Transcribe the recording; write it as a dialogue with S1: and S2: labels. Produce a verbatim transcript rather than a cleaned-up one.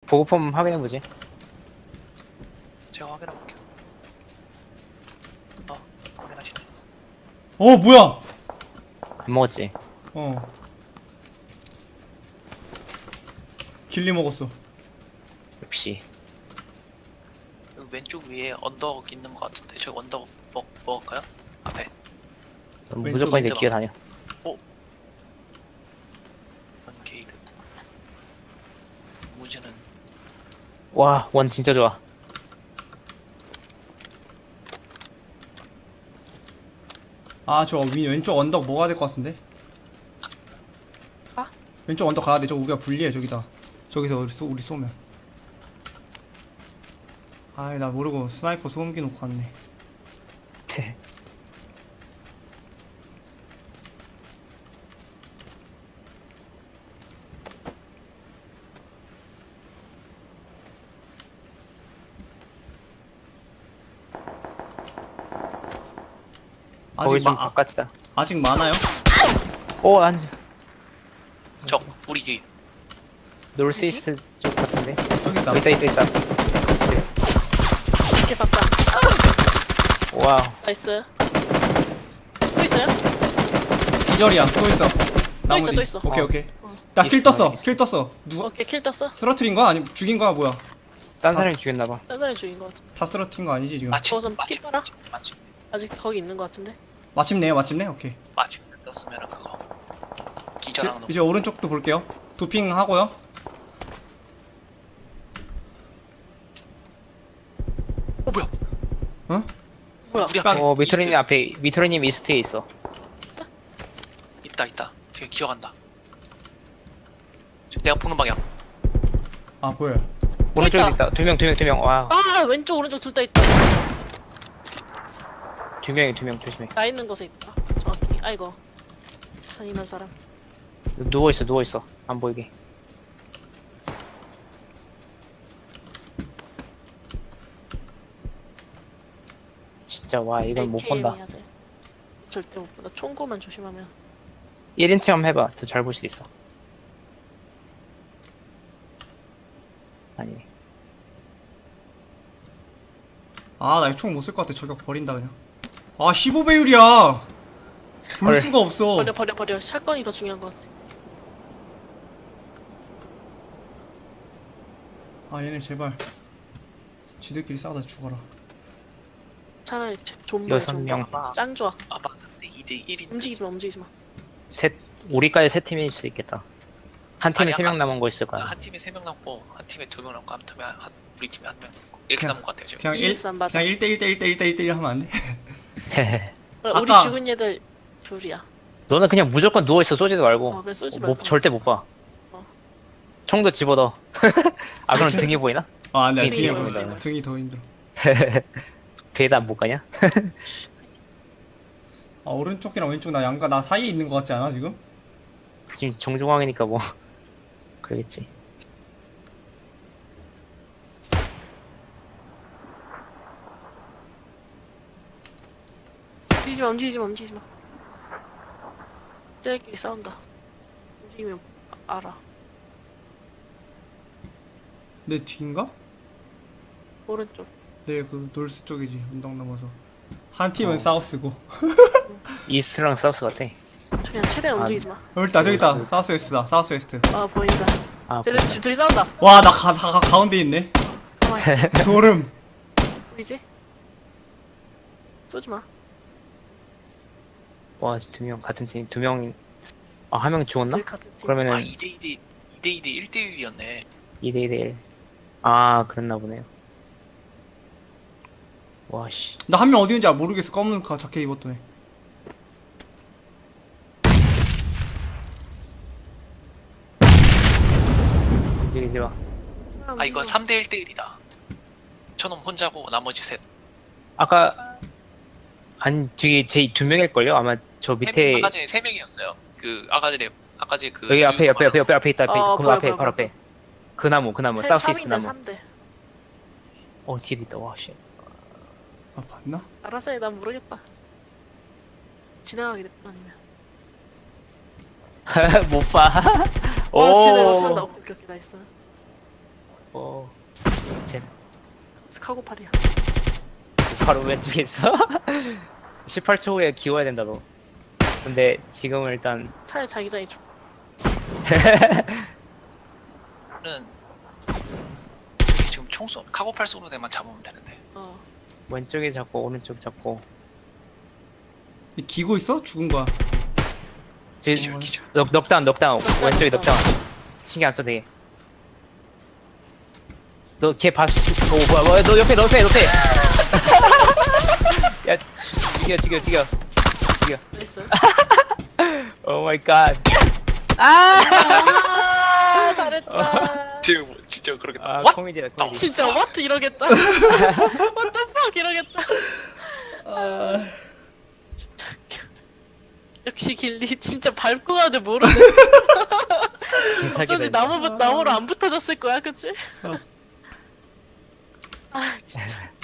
S1: 보고품 확인해보지.
S2: 제가 확인해볼게요. 어, 확인하시네.
S3: 어 뭐야?
S1: 안 먹었지.
S3: 어. 길리 먹었어.
S1: 역시.
S2: 여기 왼쪽 위에 언덕 있는 것 같은데 저기 언덕 먹, 먹을까요? 앞에.
S1: 무조건 이제
S2: 밑에
S1: 기어다녀.
S2: 원게이드. 무지는
S1: 와, 원 진짜 좋아.
S3: 아 저 왼쪽 언덕 뭐가 될 것 같은데?
S4: 가?
S3: 왼쪽 언덕 가야 돼. 저 우리가 불리해 저기다. 저기서 우리, 쏘, 우리 쏘면. 아이 나 모르고 스나이퍼 소음기 놓고 왔네.
S1: 거기
S3: 아직
S1: 좀
S3: 마, 아,
S1: 바깥이다.
S3: 아직 많아요?
S1: 오, 안,
S2: 적 우리 뒤.
S1: 놀스이스트 쪽 같은데.
S3: 저기 있다.
S1: 어, 있다, 있다, 있다.
S4: 이렇게 바꿔.
S1: 와우.
S4: 나이스. 또 있어요?
S3: 기절이야. 또 있어. 나무
S4: 있어,
S3: 뒤.
S4: 또 있어.
S3: 오케이
S1: 어.
S3: 오케이.
S4: 어.
S3: 나 킬
S1: 있어,
S3: 떴어.
S1: 있어.
S3: 킬 떴어. 누가
S4: 오케이, 킬 떴어.
S3: 쓰러트린 거야? 아니면 죽인 거야? 뭐야?
S1: 딴 사람이 죽였나봐.
S4: 딴 사람이 죽인 것 같아.
S3: 다 쓰러트린 거 아니지 지금?
S2: 마침
S4: 어, 좀
S2: 마침
S4: 피 빨아?
S2: 마침 마침
S4: 아직 거기 있는 것 같은데.
S3: 마침내요 마침내? 오케이.
S2: 마침 떴으면은 그거
S3: 이제,
S2: 기절하는 거.
S3: 이제 오른쪽도 볼게요. 도핑 하고요.
S2: 어 뭐야?
S3: 어?
S4: 뭐야?
S2: 우리 앞에
S1: 어, 미토리님
S2: 이스트.
S1: 앞에, 미토리님 이스트에 있어.
S2: 있다 있다. 되게 기어간다. 저 내가 보는 방향.
S3: 아 보여요.
S1: 오른쪽에
S4: 있다.
S1: 있다. 두 명, 두 명, 두 명. 와,
S4: 아, 왼쪽, 오른쪽 둘 다 있다.
S1: 두 명이 두 명 조심해.
S4: 나 있는 곳에 있다. 정확히. 아이고. 잔인한 사람.
S1: 누워있어, 누워있어. 안 보이게. 진짜, 와, 이건 못 본다.
S4: 에이케이엠 해야지. 절대 못 본다. 총구만 조심하면.
S1: 일 인 체험 해봐. 더 잘 볼 수 있어. 아니.
S3: 아 나 이거 총 못 쓸 것 같아. 저격 버린다 그냥. 아 십오 배율이야. 볼
S1: 헐.
S3: 수가 없어.
S4: 버려, 버려, 버려. 샷건이 더 중요한 것 같아.
S3: 아 얘네 제발. 지들끼리 싸우다 죽어라.
S4: 차라리 존버야,
S1: 여섯
S4: 존버.
S1: 명.
S2: 아마
S4: 짱 좋아.
S2: 아마 근데 이 대 일인.
S4: 움직이지 마, 움직이지 마.
S1: 셋, 우리까지 세 팀일 수 있겠다. 한 팀에
S2: 아니,
S1: 세 명
S2: 아-
S1: 남은 거 있을 거야.
S2: 한 팀에 세 명 남고 한 팀에 두 명 남고 한 팀에 한 우리 팀에 한 명 남고 이렇게
S3: 그냥-
S2: 남은 것 같아요 지금.
S3: 그냥 일
S4: 이일삼 맞아.
S3: 그냥 일 대 일 대 일 대 일 대 일 대 일 하면 안 돼?
S4: 우리
S3: 아까-
S4: 죽은 얘들 둘이야.
S1: 너는 그냥 무조건 누워있어. 쏘지도 말고.
S4: 어, 그래 쏘지
S1: 뭐,
S4: 말고.
S1: 절대 못 봐.
S4: 어.
S1: 총도 집어넣어. 아, 그럼 등이 보이나?
S3: 아 안돼
S4: 등이
S3: 등이
S4: 보인다.
S3: 보인다. 등이 더 힘들어.
S1: 배에다 안 못 가냐?
S3: 아 오른쪽이랑 왼쪽 나 양가 나 사이에 있는 것 같지 않아 지금?
S1: 지금 정중앙이니까 뭐. 그러겠지.
S4: 움직이지 마, 움직이지 마, 움직이지 마. 쟤들끼리 싸운다. 움직이면 아- 알아.
S3: 내 뒤인가?
S4: 오른쪽.
S3: 네 그 놀스 쪽이지. 언덕 넘어서. 한 팀은
S1: 어.
S3: 사우스고.
S1: 이스트랑 사우스 같아.
S4: 저 그냥 최대한
S1: 아.
S4: 움직이지 마.
S3: 여기 있다 저기 있다.
S1: 놀스.
S3: 사우스 웨스트다. 사우스 웨스트.
S4: 아 보인다.
S1: 아,
S4: 쟤들 두- 둘이 싸운다.
S3: 와 나 가, 가, 가운데 있네.
S4: 가만히 있어.
S3: 소름.
S4: 보이지? 쏘지 마.
S1: 와, 두 명 같은 팀. 두 명. 아, 한 명 죽었나?
S4: 둘 같은 팀.
S1: 그러면은
S2: 아 이 대 이 대 이 대 이 대 일 대 일이었네.
S1: 이 대 이 대 일. 아, 그랬나 보네요. 와, 씨.
S3: 나 한 명 어디 있는지 모르겠어. 검은 가 자켓 입었던 애.
S1: 움직이지 마.
S2: 아 이거 삼 대 일 대 일이다. 저놈 혼자고 나머지 셋.
S1: 아까, 안, 뒤에 제 두 명일걸요? 아마 저
S2: 세
S1: 밑에,
S2: 명, 아까 전에 세 명이었어요. 그 아까 전에 아까 전에 그
S1: 여기 앞에, 옆에, 옆에, 옆에, 앞에 있다, 앞에
S4: 어,
S1: 있다. 그
S4: 보여,
S1: 앞에,
S4: 보여,
S1: 바로
S4: 보여.
S1: 앞에. 그 나무, 그 나무. 사우스 이스트 나무.
S4: 삼 대.
S1: 어, 뒤에 있다. 와, 씨.
S3: 아 봤나?
S4: 알아서 해. 난 모르겠다. 지나가게 됐다 아니면.
S1: 못 봐.
S4: 어, 쟤네
S1: 오.
S4: 쏜다. 오케이, 오케이, 나이스.
S1: 어. 젠
S4: 카고팔이야.
S1: 바로 왼쪽에 있어. 십팔 초 후에 기워야 된다 너. 근데 지금은 일단
S4: 차라리 자기장이 좀.
S2: 는 여기 지금 총 쏘, 카고팔 쏘는 애만 잡으면 되는데.
S4: 어.
S1: 왼쪽에 잡고 오른쪽 잡고.
S3: 이 기고 있어? 죽은 거야.
S1: 지금
S2: 기절 기절.
S1: 넉 넉다운 넉다운
S4: 넉다운,
S1: 왼쪽에
S4: 넉다운.
S1: 넉다운. 신경 안 써도 돼. 너 걔 봤어? 오 뭐야 뭐야 너 옆에 너 옆에 옆에. 야 죽여 죽여 죽여.
S4: 나이스.
S1: 오 마이 갓.
S4: 아 잘했다.
S2: 지금 뭐 진짜 그러겠다.
S1: 아
S2: What?
S1: 코미디다 코미디.
S4: 진짜 what 이러겠다. what the fuck 이러겠다.
S3: 아,
S4: 진짜 웃겨. 역시 길리 진짜 밟고 가는데 모르네. 어쩐지 나무 나무로 안 붙어졌을 거야, 그치?
S3: 어.
S4: 아 진짜.